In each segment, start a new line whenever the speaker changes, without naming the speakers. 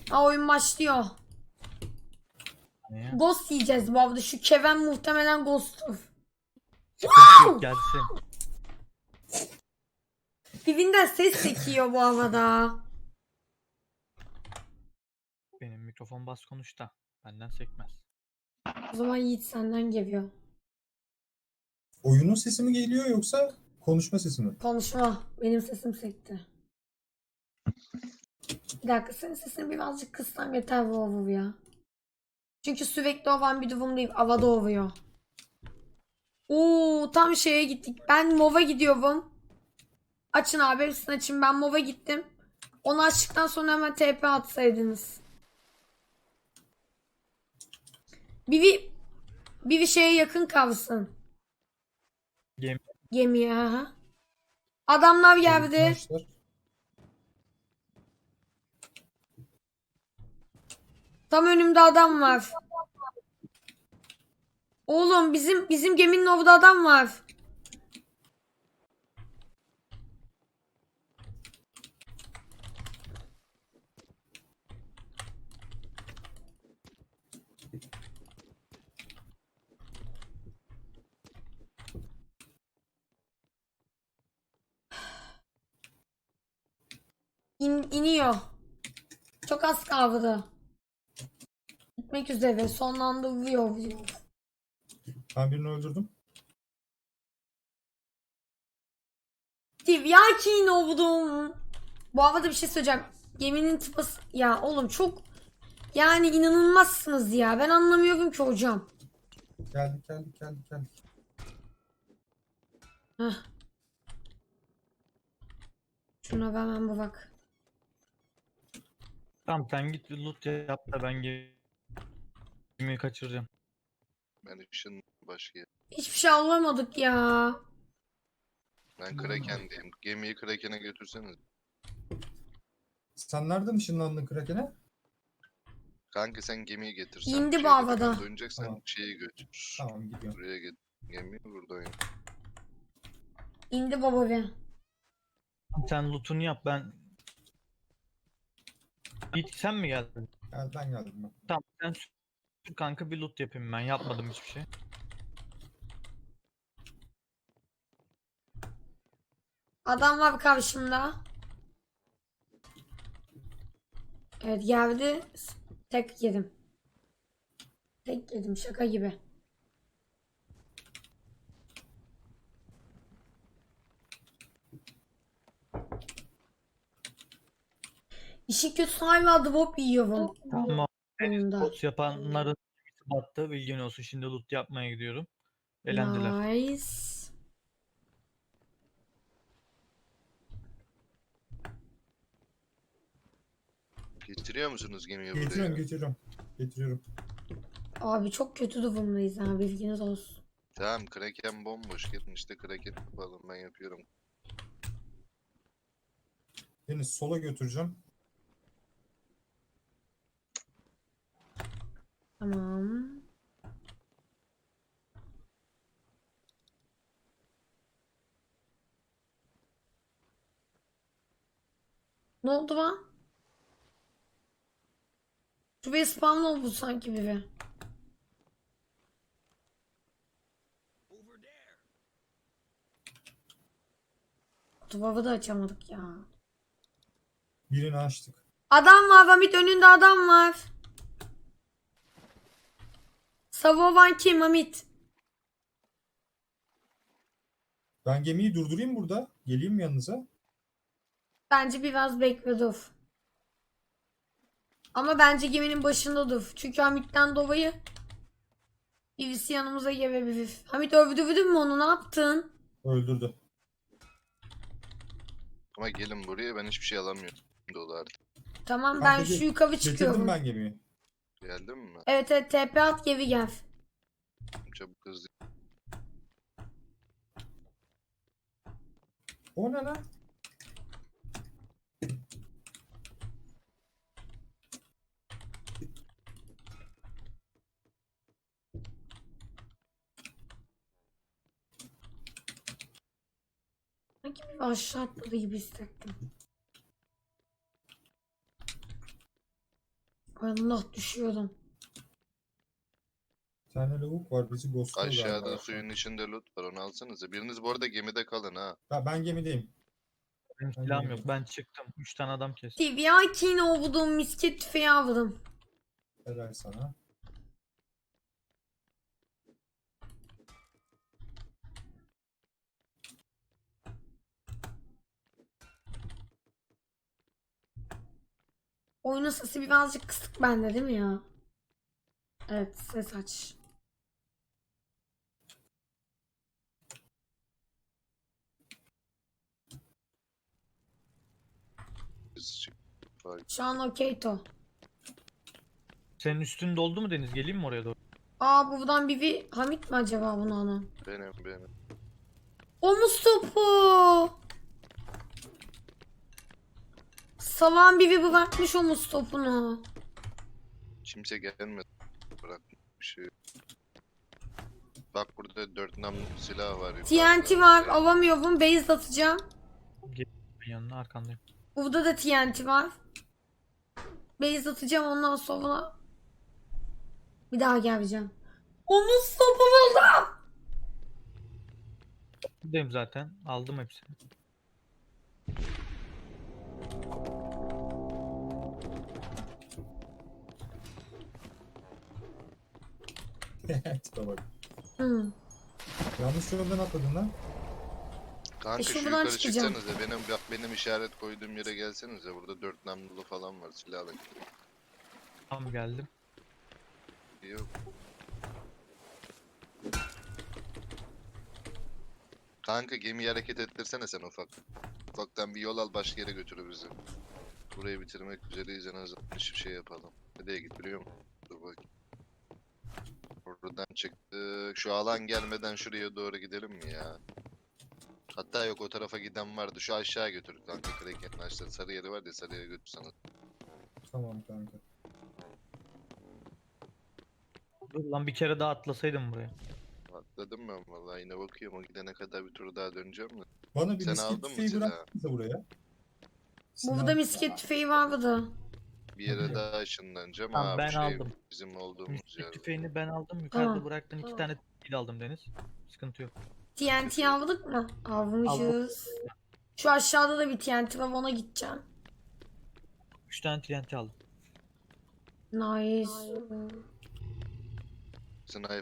Ha, oyun başlıyor.
Niye?
Ghost yiyeceğiz bu arada. Şu Keven muhtemelen Ghost'tur.
Sıkıntı yok, gelsin.
Bibinden ses sekiyor bu havada.
Benim mikrofon bas konuş da benden sekmez.
O zaman Yiğit senden geliyor.
Oyunun sesi mi geliyor yoksa konuşma sesi mi?
Konuşma. Benim sesim sekti. Bir dakika, senin sesini birazcık kıssam yeter bu ovu ya. Çünkü sürekli ovan bir durum değil. Havada ovuyor. Oo, tam şeye gittik. Ben MOV'a gidiyorum. Açın abi, hepsini açın. Ben MOV'a gittim. Onu açtıktan sonra hemen TP atsaydınız. Bir şeye yakın kalsın.
Gemi
Gemiye. Aha. Adamlar geldi.
Arkadaşlar,
Tam önümde adam var. Oğlum bizim geminin orada adam var. İniyor. Çok az kaldı. Gitmek üzere. Sonlandırıyor.
ben birini öldürdüm.
Tivyakin oldum. Bu havada bir şey söyleyeceğim. Geminin tıpası... Ya oğlum çok... Yani inanılmazsınız ya. Ben anlamıyorum ki hocam.
Geldik.
Heh. Şuna hemen bak.
tamam, sen git bir loot yap da ben gemiyi kaçıracağım.
Ben ışın başka yer.
Hiçbir şey alamadık ya.
Ben Kraken'deyim. Gemiyi Kraken'e götürseniz.
Sen nereden ışınlandın Kraken'e?
Kanka sen gemiyi getir. Sen
İndi bu
şeyde
havada.
falan döneceksen
Tamam.
şeyi götür.
Tamam, gidiyorum.
Buraya get. Gemiyi buradan yap.
İndi baba be.
Sen loot'unu yap, ben... Git, sen mi geldin?
Ben geldim ben.
Tamam, sen sür kanka, bir loot yapayım, ben yapmadım hiçbir şey.
Adam var karşımda. Evet, geldi. Tek yedim. Tek yedim, şaka gibi. İşin kötüsü hala drop yiyorum.
Tamam.
Oyunda.
Boss yapanların gemisi battı, bilgin olsun. Şimdi loot yapmaya gidiyorum. Eğlendiler.
Nice.
Getiriyor musunuz gemiyi buraya?
Getiriyorum.
Abi çok kötü durumdayız ha, bilginiz olsun.
Tamam, Kraken bomboş. Gelin işte Kraken yapalım, ben yapıyorum.
Deniz, sola götüreceğim.
Tamam. Ne oldu lan? Şuraya spamlı oldu sanki biri. Duvarı da açamadık ya.
Birini açtık.
Adam var Hamit, önünde adam var. Savovan kim Hamit?
Ben gemiyi durdurayım burada. Geleyim mi yanınıza?
Bence biraz bekle dur. Ama bence geminin başında dur. Çünkü Hamit'ten dolayı birisi yanımıza gelebilir. Hamit, öldürdün mü onu, ne yaptın?
Öldürdü.
Ama gelin buraya, ben hiçbir şey alamıyorum. Dolar.
Tamam,
Kanka
ben şu yukarı çıkıyorum.
Getirdim ben gemiyi.
Geldin mi?
Evet evet, TP at, geri gel.
Çabuk hızlı.
O ne lan?
Sanki bir aşağı atladı gibi hissettim. Allah düşüyordum.
Bir tane lavuk var bizi ghostluyor
Aşağıda
galiba.
suyun içinde loot var, onu alsanıza. Biriniz bu arada gemide kalın ha.
Ben gemideyim.
Benim
Ben
silahım
gemideyim.
yok. Ben çıktım. 3 tane adam kestim.
Tivyakine ovudum misket tüfeği avladım.
Helal sana.
Oyunun sesi birazcık kısık bende değil mi ya? Evet ses aç.
Biz çık.
Şu an okey to.
Senin üstün doldu mu Deniz? Geleyim mi oraya doğru?
Aa buradan bir Hamit mi acaba bunu alan?
Benim.
Omuz topu. Salan biri bırakmış omuz topunu.
Kimse gelmedi. Bırakmış bir şey yok. Bak burada 4 namlu silah var.
TNT
yukarıda.
var alamıyorum base atacağım.
Ben yanına arkandayım.
Burada da TNT var. Base atacağım ondan sonra bir daha geleceğim. Omuz topu buldum.
Buradayım zaten. Aldım hepsini.
Tipe bak.
Hı.
Yanlış yoldan atladın lan.
Kanka şu
şuradan
yukarı
çıkacağım.
çıksanıza. Benim işaret koyduğum yere gelsenize. Burada 4 namlulu falan var, silahla.
Tam geldim.
Yok. Kanka gemiyi hareket ettirsene sen ufak. Ufaktan bir yol al, başka yere götür bizi. Burayı bitirmek üzereyiz, en azından hiçbir şey yapalım. Nereye git biliyor musun? Dur bak. Oradan çıktık. Şu alan gelmeden şuraya doğru gidelim mi ya? Hatta yok, o tarafa giden vardı. Şu aşağı götür kanka, Kraken'in aşağı. Sarı yeri var ya, sarı yere götür sana.
Tamam kanka.
Dur lan bir kere daha atlasaydım buraya.
Atladım ben vallahi, yine bakıyorum, o gidene kadar bir tur daha döneceğim mi?
Bana bir
Sen
misket
aldın mı
tüfeği
silahı?
bıraksanıza buraya.
Burada
Silah-
misket tüfeği var burada.
Bir yere
Okey.
daha ışınlanacağım.
Tamam,
Ha,
ben
bu şey
aldım.
bizim olduğumuz
Misket
yer.
tüfeğini ben aldım. Yukarıda
Tamam.
bıraktın 2
Tamam.
tane kill aldım Deniz. Sıkıntı yok.
TNT aldık mı? Almışız. Şu aşağıda da bir TNT var ona gideceğim.
3 tane TNT aldım.
Nice.
Sniper.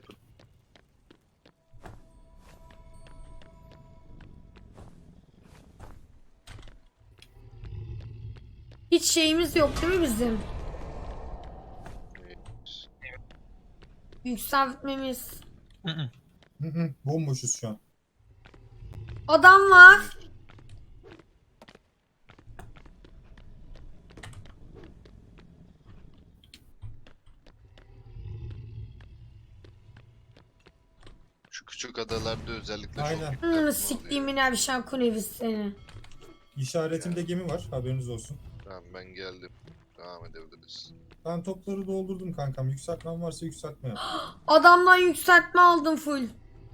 Hiç şeyimiz yok değil mi bizim? Yükseltmemiz.
Hı hı.
Bomboşuz şu an.
Adam var.
Şu küçük adalarda özellikle
Aynen.
çok dikkatli oluyor.
Siktiğimin evşen kunevis seni.
İşaretimde gemi var, haberiniz olsun.
Tamam, ben geldim. Devam edebiliriz.
Ben topları doldurdum kankam. Yükseltmem varsa yükseltme yap.
Adamdan yükseltme aldım full.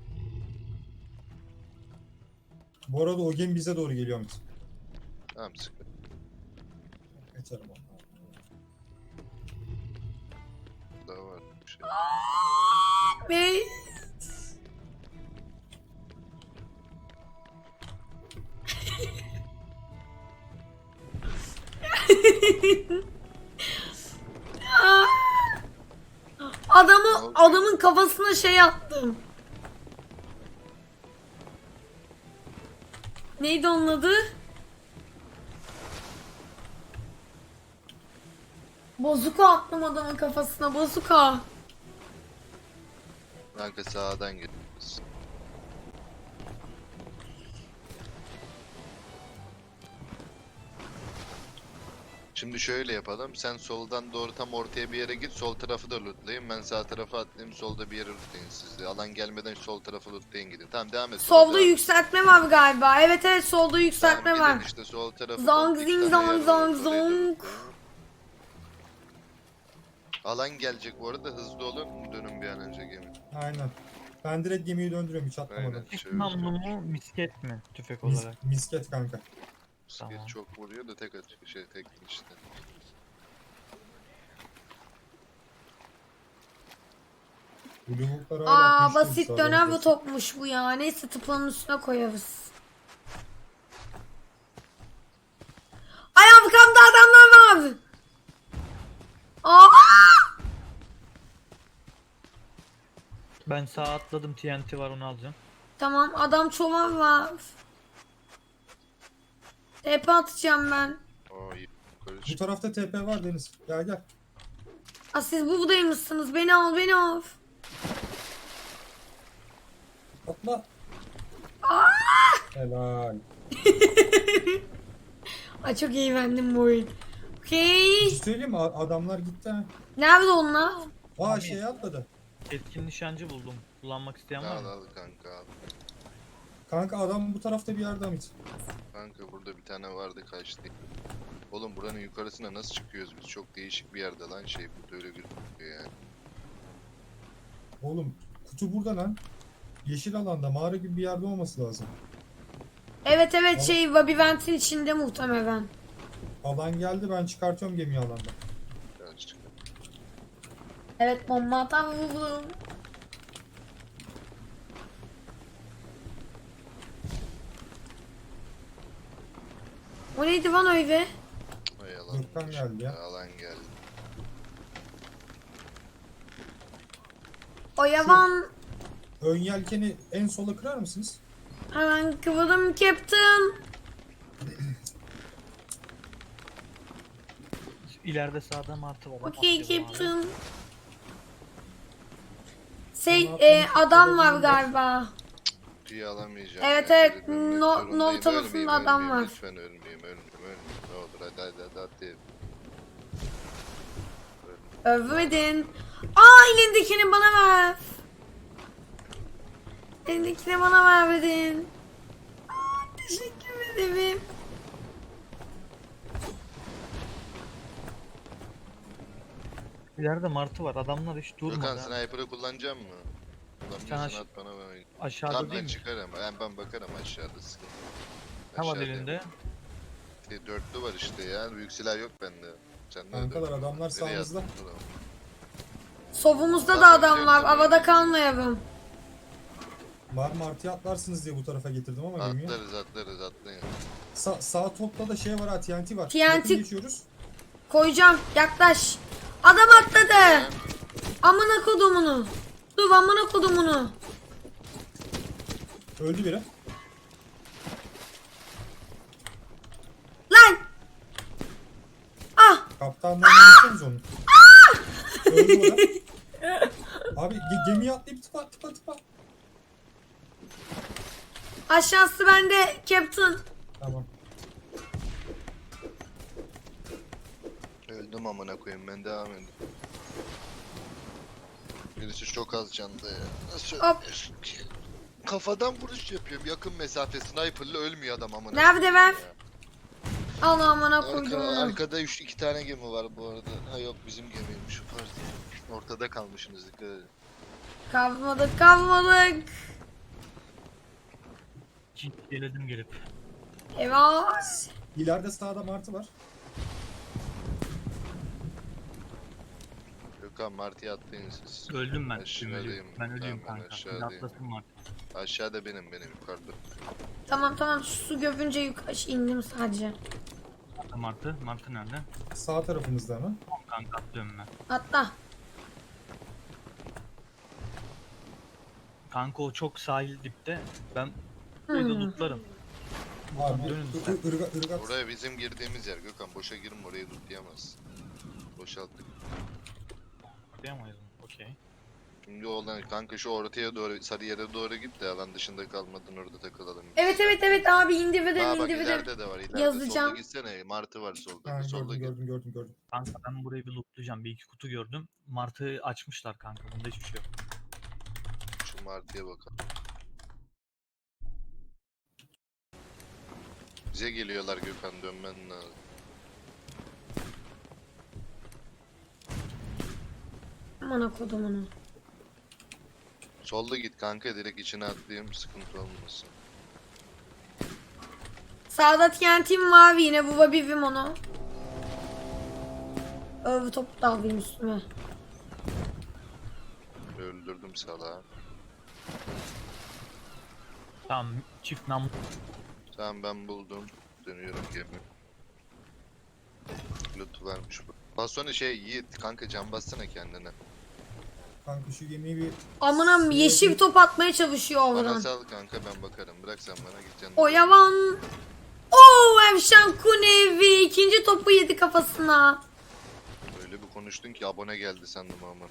Bu arada o gemi bize doğru geliyor Hamit.
Tamam, sıkıntı.
Geçerim onu.
Daha var bir şey.
Ve adamın kafasına şey attım. Neydi onun adı? Bozuka attım adamın kafasına, bozuka.
Kanka sağdan gidiyoruz. Şimdi şöyle yapalım. Sen soldan doğru tam ortaya bir yere git. Sol tarafı da lootlayın. Ben sağ tarafa atlayayım. Solda bir yere lootlayın siz de. Alan gelmeden sol tarafı lootlayın, gidin. Tamam, devam et.
Solda
devam et.
yükseltme var galiba. Evet evet solda yükseltme
Tamam,
var.
gidin işte sol tarafı.
Zong
komple
zing
iki tane
zong
yer var,
zong
orayı da
zong.
lootlayın. Alan gelecek bu arada. Hızlı olun. Dönün bir an önce gemi.
Aynen. Ben direkt gemiyi döndürüyorum hiç atlamadan.
Aynen.
Tek
Şöyle.
namlu mu misket mi tüfek
Mis-
olarak?
misket kanka.
Skill
Tamam.
çok vuruyor da tek atıyor. Tek işte.
Bu lavuklar hala
Aa
güçlüymüş,
basit
haberiniz
dönen bir
olsun.
topmuş bu ya. Neyse tıpanın üstüne koyarız. Ay arkamda adamlar var. Aa!
Ben sağa atladım, TNT var, onu alacağım.
Tamam adam çoban var. TP atacağım ben.
Oo iyi. Yukarı
Bu
çık.
tarafta TP var Deniz. Gel gel.
Aa, siz buradaymışsınız. Beni al beni al.
Atla. Helal.
Ay çok eğlendim bu oyun.
Bir
Okey.
şey söyleyeyim mi? Adamlar gitti ha.
Nerede onlar?
Aa şeye atladı.
Etkin nişancı buldum. Kullanmak isteyen var
Al
mı?
al kanka al.
Kanka adam bu tarafta bir yerde Hamit.
Kanka burada bir tane vardı kaçtı. Oğlum buranın yukarısına nasıl çıkıyoruz biz? Çok değişik bir yerde lan şey burada öyle gözüküyor yani.
Oğlum kutu burada lan. Yeşil alanda mağara gibi bir yerde olması lazım.
Evet evet
Ama-
şey labirentin içinde muhtemelen.
Alan geldi, ben çıkartıyorum gemiyi alandan.
Birazcık.
Evet bomba atan vurdum. O neydi lan öyle?
Ay alan.
Gökten geldi ya.
Alan geldi.
O yavan.
Ön yelkeni en sola kırar mısınız?
Hemen kıvırdım Captain.
İleride sağda martı var.
Okey
Atlayalım abi.
Captain.
Onu atlamış,
Adam var
olabilir.
galiba.
Kutuyu alamayacağım.
Evet,
ya,
evet,
geri dönmek
no-
zorundayım.
no tarafında
Ölmeyeyim,
adam
ölmeyeyim,
var.
Lütfen ölmeyeyim. Ne olur hadi.
Övmedin. Aa elindekini bana ver. Elindekini bana vermedin. Aa, teşekkür ederim.
İleride martı var. Adamlar hiç
Gökhan
durmadı. ha.
sniper'ı kullanacak mı? Kullanmıyorsan at bana ben oynayayım.
Aşağıda
Tamam
değil
ben
mi?
çıkarım. Ben bakarım aşağıda sıkıntı.
Ne var
Aşağıda.
elinde?
Dörtlü var işte ya. Büyük silah yok bende. Sen de
Kankalar,
dörtlü var.
adamlar
Nereye
sağımızda.
attın bunu?
Sovumuzda da
Zaten
adam var.
Captain
Havada
öyle.
kalmayalım.
Martı atlarsınız diye bu tarafa getirdim ama gemiyi.
Atlayın.
Sağ topta da şey var ha, TNT var.
TNT.
Yakın geçiyoruz.
Koyacağım. Yaklaş. Adam atladı. Amına kodumunu. Dur amına kodumunu.
Öldü biri.
Lan. Ah.
Kaptandan yapsanız onu. Öldü o da. Abi gemiye atlayıp tıpa.
Aşağısı bende Captain.
Tamam.
Öldüm amına koyayım ben devam edeyim. Birisi çok az canda ya. Nasıl
Hop.
ölmüyorsun ki? Kafadan vuruş yapıyorum. Yakın mesafe sniper'la ölmüyor adam amına.
Nerede
koyayım
ben?
ya.
Allah amına koydum.
Arkada iki tane gemi var bu arada. Ha yok bizim gemiymiş. Pardon. Ortada kalmışsınız dikkat edin.
Kalmadık.
Geledim gelip.
Eyvah.
İleride sağda martı var.
Gökhan Martı'ya atlayın siz.
Öldüm ben.
Aşağıdayım.
Ben ölüyüm
Tamam,
kanka. Bir
aşağıdayım.
atlasın martı.
Aşağıda benim yukarıda.
Tamam su göbünce yukarı indim sadece.
Martı. Martı nerede?
Sağ tarafımızda hemen.
Tamam kanka atlıyorum ben.
Atla.
Kanka o çok sahil dipte. Ben burayı da lootlarım.
Abi
Dönün lütfen.
ırgat.
Oraya bizim girdiğimiz yer Gökhan boşa girme orayı tutlayamaz. Boşalttık.
Atlayamayız mı? Okey.
Şimdi olan kanka şu ortaya doğru sarı yere doğru git de alan dışında kalmadın orada takılalım.
Evet abi individim
Aa bak
individim.
ileride de var ileride
Yazacağım.
solda gitsene Martı var solda
Ha,
solda git.
gördüm.
Kanka ben burayı bir lootlayacağım. Bir iki kutu gördüm. Martı açmışlar kanka. Bunda hiçbir şey yok.
Şu Martı'ya bakalım. Bize geliyorlar Gökhan dönmen lazım.
Amına kodumunu.
Solda git kanka direkt içine atlayayım sıkıntı olmasın.
Sağda TNT'm mavi yine bulabilirim onu. Topu da alayım üstüme.
Öldürdüm salağı.
Tamam çift nam.
Tamam ben buldum. Dönüyorum gemi. Loot varmış bu. Basonu şey Yiğit kanka can bassana kendine.
Kanka şu gemiyi bir...
Amına yeşil top atmaya çalışıyor
Bana
oradan.
sal kanka ben bakarım. Bırak sen bana gideceksin.
O yavan. Oo Evşan Kunevi ikinci topu yedi kafasına.
Öyle bir konuştun ki abone geldi sandım ama.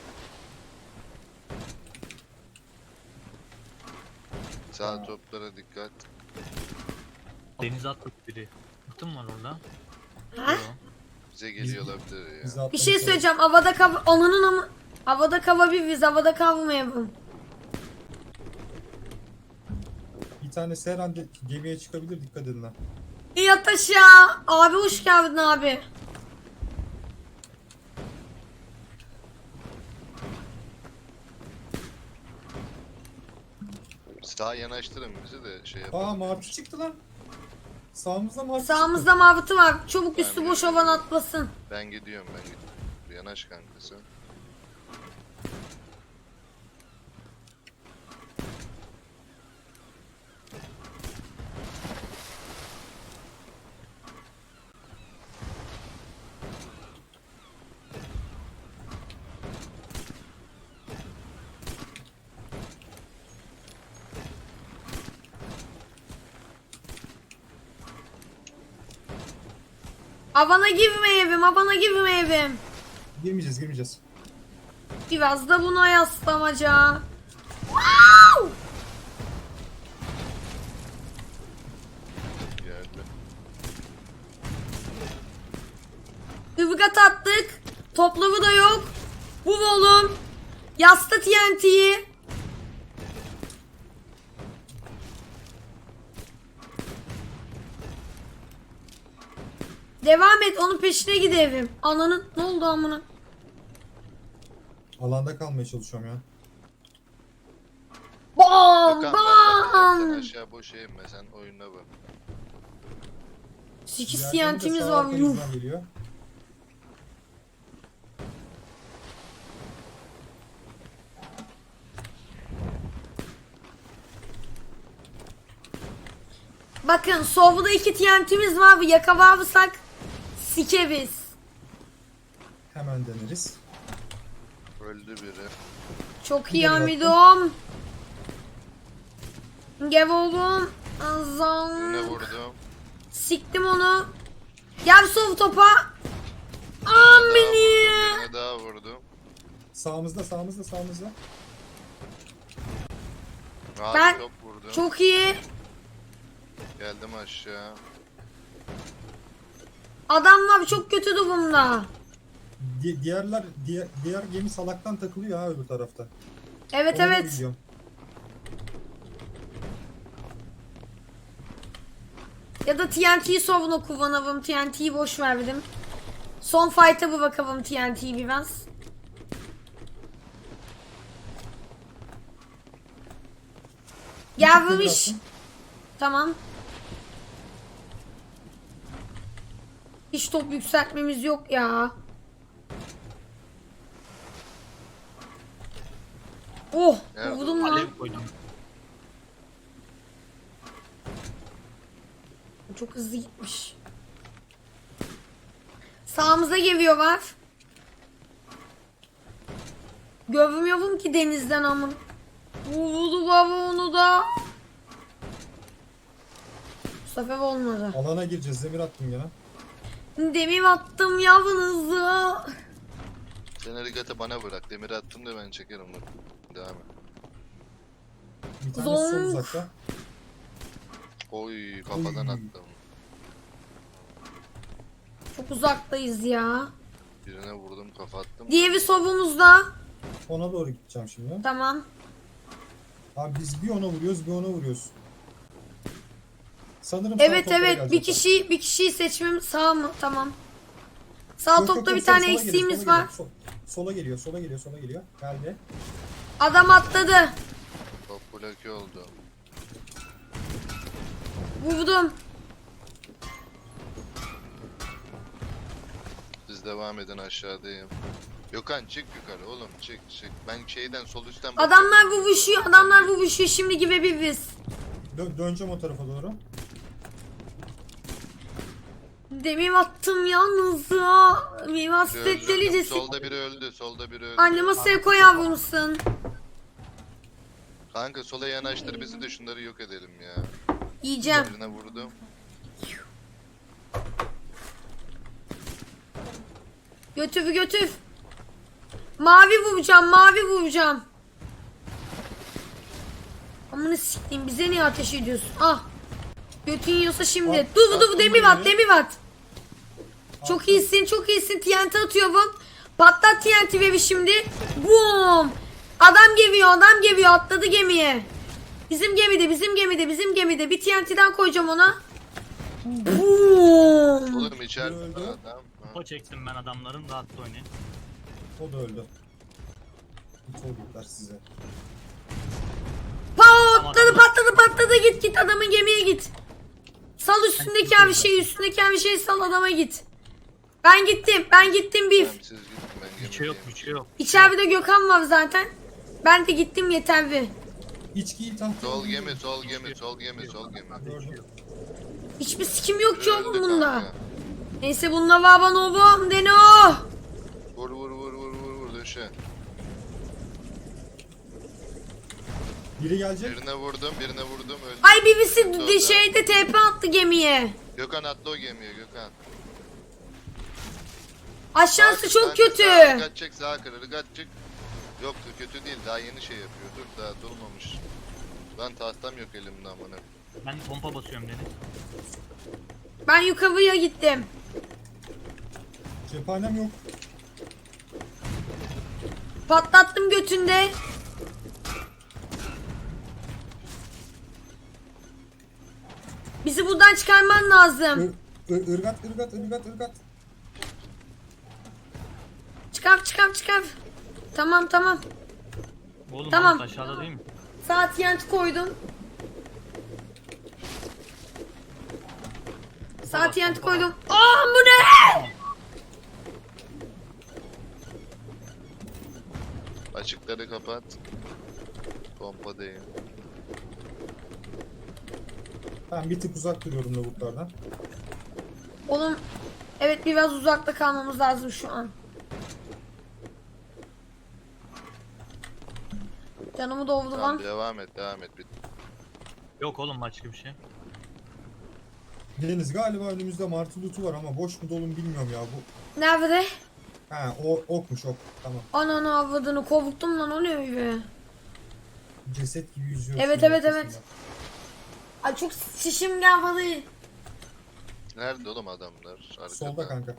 Sağ toplara dikkat.
Denize atladı biri. Atım var orada.
Ha?
Yo.
Bize geliyor olabilir ya.
bizi
Bir
atlamış
şey
olabilir.
söyleyeceğim. Havada kav... Ananın ama... Havada kava bir biz. Havada kavmayalım.
Bir tanesi her an gemiye çıkabilir, dikkat edin ha.
Yat aşağı. Abi hoş geldin abi.
Sağa yanaştırın bizi de şey yapalım.
Aa martı çıktı lan. Sağımızda martı
Sağımızda mavıtı var. Çabuk üstü
Ben
boş
de-
olan atlasın.
Ben gidiyorum. Yanaş kankası.
Avana girmeyelim. Avana girmeyelim.
Girmeyeceğiz.
Biraz da buna yaslamaca. Wow!
Geldi.
Irgat attık. Toplamı da yok. Bu volum. Yasta TNT'yi. Devam et. Onun peşine gidelim. Ananın ne oldu amına?
Alanda kalmaya çalışıyorum ya.
Bam
Gökhan, sen
bam.
aşağı boş eğme sen oyuna bak.
8
Diğerleri de
TNT'miz
sağ
var. Yuh.
arkamızdan geliyor.
Bakın solda 2 TNT'miz var. Yakalarsak sikeriz.
Hemen deneriz.
Öldü biri.
Çok
Bir
iyi
de
amidom. Gel oğlum.
Birine
Azam.
vurdum.
Siktim onu. Gel sol topa. Amini.
Birine daha vurdum.
Sağımızda.
Abi
Ben-
çok vurdum.
Çok iyi.
Geldim aşağı.
Adamlar çok kötü durumda.
Diğer gemi salaktan takılıyor ha öbür tarafta.
Evet
Ona da
evet.
gidiyorum.
Ya da TNT'yi savuna kullanalım. TNT'yi boş verdim. Son fight'a bir bakalım TNT'yi biraz. Gelmiş.
attım.
Tamam. Hiç top yükseltmemiz yok ya. Oh,
Evet,
vurdum lan.
Alev koydum.
Çok hızlı gitmiş. Sağımıza geliyorlar. Görmüyorum ki denizden amın. Vurdu baba onu da. Bu sefer olmadı.
Alana gireceğiz. Demir attım gene.
Demir attım yavrunuzu.
Sen hareketi bana bırak. Demiri attım da ben çekerim. Dur. Devam et.
Bir tanesi sol
Zonk.
uzakta.
uzakta.
Oy kafadan
Oy.
attım.
Çok uzaktayız ya.
Birine vurdum kafa attım.
Diğeri solumuzda.
Ona doğru gideceğim şimdi.
Tamam.
Abi biz bir ona vuruyoruz, bir ona vuruyoruz. Sanırım
Evet
sağ toplara
evet bir
gelecekler.
kişiyi seçmem sağ mı? Tamam. Sağ
Yok, yok,
topta
yok,
bir tane
sola geliyor,
eksiğimiz
sola
var.
geliyor. Sola geliyor. Geldi.
Adam atladı.
Top bloke oldu.
Vurdum.
Siz devam edin aşağıdayım. Gökhan çık yukarı oğlum çık. Ben şeyden sol üstten
Adamlar vuruşuyor. Adamlar vuruşuyor. Şimdi gibi bir biz.
Döneceğim o tarafa doğru.
Demir attım yalnız ya. Mivas delicesi.
Solda biri öldü. Solda biri öldü.
Anne masaya koy yavrumsun.
Kanka sola yanaştır bizi de şunları yok edelim ya.
Yiyeceğim.
Birine vurdum.
Götür götür. Mavi vuracağım. Mavi vuracağım. Amına sikeyim. Bize niye ateş ediyorsun? Ah. Götün yiyorsa şimdi. Dur
attım
demir
buraya.
at. Demir at. Çok iyisin. Çok iyisin. TNT atıyorum. Patlat TNT bebi şimdi. Boom. Adam geliyor. Adam geliyor. Atladı gemiye. Bizim gemide. Bizim gemide. Bizim gemide. Bir TNT'den koyacağım ona. Boom.
Oğlum içeride
Öldü.
adam. Ha.
Kupa çektim ben adamların, rahatla oynayın.
O da öldü. Hiç olduklar size.
Patladı. Git adamın gemiye git. Sal üstündeki her şeyi. Üstündeki her şeyi sal adama git. Ben gittim Bif.
Tamam, siz gidin ben
Bir şey yok,
gemideyim.
bir şey yok.
İçeride Gökhan var zaten. Ben de gittim yeterli.
İçkiyi tahta.
Sol gemi.
Gördüm.
Hiçbir sikim yok ki oğlum
Öldü
bunda.
kanka.
Neyse bununla var bana oğlum dene o.
Vur döşe.
Biri gelecek.
Birine vurdum öldü.
Ay birisi
Öldü o da.
de şeyde TP attı gemiye.
Gökhan atla o gemiye Gökhan.
Aşağısı çok
Kanka,
kötü.
Sağa çık sağa kır ırgat çık. Yok kötü değil daha yeni şey yapıyor. Dur daha dolmamış. Lan tahtam yok elimde amına.
Ben pompa basıyorum Deniz.
Ben yukarıya gittim.
Cephanem yok.
Patlattım götünde. Bizi buradan çıkarman lazım.
Irgat.
Çıkar. Tamam.
Oğlum
Tamam.
Mahmut aşağıda değil mi?
Saat yent koydum. Saat yent koydum. Aa bu ne?
Açıkları kapat. Pompa değil.
Ben bir tık uzak duruyorum lavuklardan.
Oğlum evet biraz uzakta kalmamız lazım şu an. Canımı doldu
Tamam
lan.
devam et.
Yok oğlum başka bir şey.
Deniz galiba önümüzde martı lootu var ama boş mu dolu mu bilmiyorum ya bu.
Nerede?
Ha o okmuş ok. Tamam.
Ananı avladığını kovdum lan o ne öyle?
Ceset gibi yüzüyor.
Evet,
suyun
evet.
ortasında.
Ay çok şişim gelmedi.
Nerede oğlum adamlar? Arkada.
Solda kanka.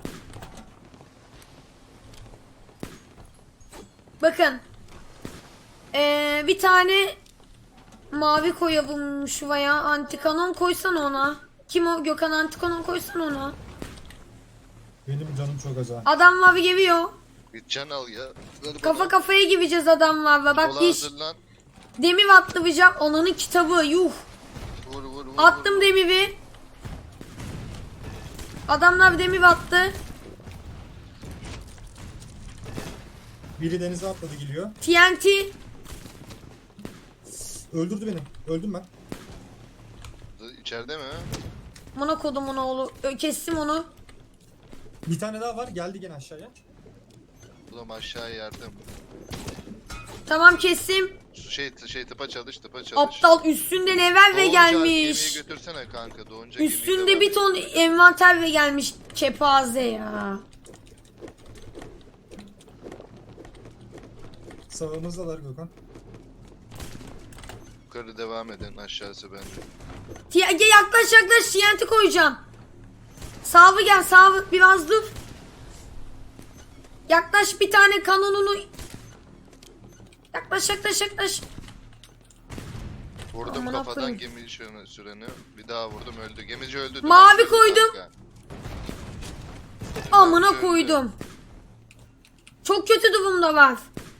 Bakın. Bir tane mavi koyalım şuraya. Antikanon koysan ona. Kim o? Gökhan antikanon koysan ona.
Benim canım çok az ha.
Adam mavi geliyor.
Bir can al ya. Ver
Kafa
bana.
kafaya gideceğiz adamlarla. Bak
Sola
diş.
hazırlan.
Demir atlayacağım. Onanın kitabı. Yuh.
Vur.
Attım demiri. Adamlar demir attı.
Biri denize atladı geliyor.
TNT.
Öldürdü beni. Öldüm ben.
İçeride mi?
Buna kodum onu oğlu. Kestim onu.
Bir tane daha var. Geldi gene aşağıya.
Oğlum aşağı yardım.
Tamam kestim.
Şey tıpa çalış.
Aptal üstünde level ve
Doğunca
gelmiş.
Gemiyi götürsene kanka. Doğunca gemiyi de
Üstünde
var.
bir ton envanter ve gelmiş. Kepaze ya.
Sağımızdalar Gökhan.
Yukarı devam edin. Aşağısı bende.
Yaklaş TNT koyacağım. Sağlı gel sağlı biraz dur. Yaklaş bir tane kanonunu. Yaklaş.
Vurdum
Aman
kafadan
Allah'ım.
gemi süreni. Bir daha vurdum öldü. Gemici öldü.
Mavi
Duman
koydum.
kanka.
Amına
Öldü.
koydum. Çok kötü durumda var.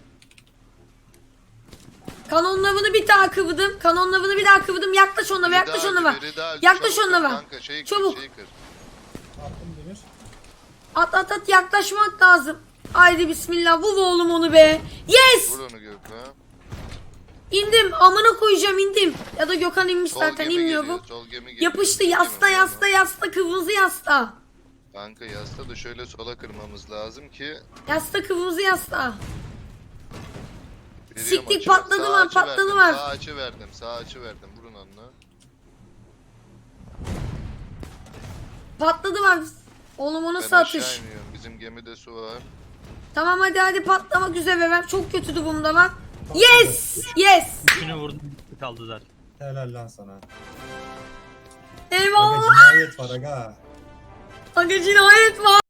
Kanonlarını bir daha kıvırdım. Yaklaş onlara.
Biri daha öldü.
Yaklaş
Çabuk
onlara.
kır kanka, şeyi kır,
Çabuk.
şeyi kır.
Attım demir.
At yaklaşmak lazım. Haydi bismillah vur oğlum onu be. Yes!
Vur onu Gökhan.
İndim amına koyacağım indim. Ya da Gökhan inmiş
Sol
zaten
gemi
inmiyor
geliyor,
bu.
sol gemi geliyor.
Yapıştı
Sol
yasta
gemi,
yasta
tamam.
yasta kırmızı yasta.
Kanka yasta da şöyle sola kırmamız lazım ki.
Yasta kırmızı yasta.
Veriyorum
Siktik,
açı.
patladı
Sağ
lan,
açı
patladı
verdim,
lan.
Sağ açı verdim, sağ açı verdim. Vurun onunla.
Patladı var. Oğlum o nasıl
Ben aşağı
atış?
iniyorum. Bizim gemide su var.
Tamam hadi patlamak üzere ben. Çok kötü durumda lan. Yes! Yes!
Üçünü vurdum. Bir kaldı zaten.
Helal lan sana. Aga
Eyvallah.
cinayet var aga.
Aga cinayet var.